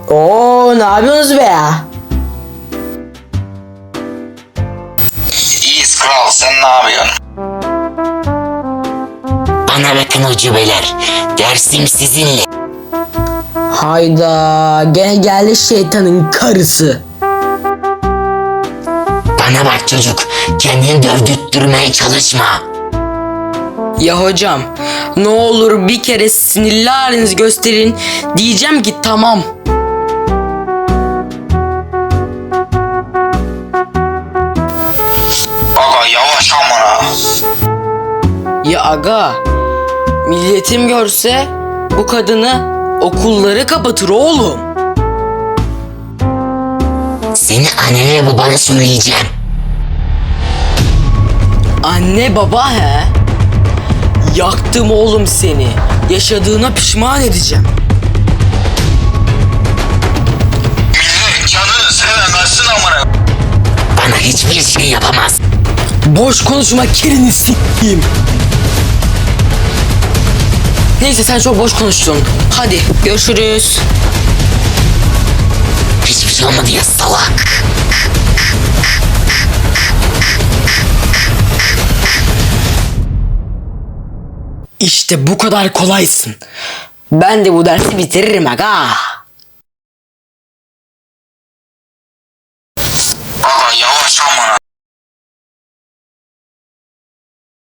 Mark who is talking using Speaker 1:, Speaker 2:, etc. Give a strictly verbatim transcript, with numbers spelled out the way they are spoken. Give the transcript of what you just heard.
Speaker 1: Oo, ne yapıyorsunuz be ya?
Speaker 2: İyiyiz kral, sen ne yapıyorsun?
Speaker 3: Bana bakın ucubeler. Dersim sizinle.
Speaker 1: Hayda, gene geldi şeytanın karısı.
Speaker 3: Bana bak çocuk. Kendini dövdürtmeye çalışma.
Speaker 1: Ya hocam, ne olur bir kere sinirli halinizi gösterin. Diyeceğim ki tamam.
Speaker 2: Aga yavaş amına.
Speaker 1: Ya aga, milletim görse bu kadını okulları kapatır oğlum.
Speaker 3: Seni annene babana söyleyeceğim.
Speaker 1: Anne baba he? Yaktım oğlum seni. Yaşadığına pişman edeceğim.
Speaker 2: Millet canını sevemezsin amına.
Speaker 3: Bana hiçbir şey yapamaz.
Speaker 1: Boş konuşma, kirini s**eyim. Neyse, sen çok boş konuştun. Hadi görüşürüz.
Speaker 3: Hiçbir şey olmadı ya salak.
Speaker 1: İşte bu kadar kolaysın. Ben de bu dersi bitiririm aga.
Speaker 2: Aga yavaş amına.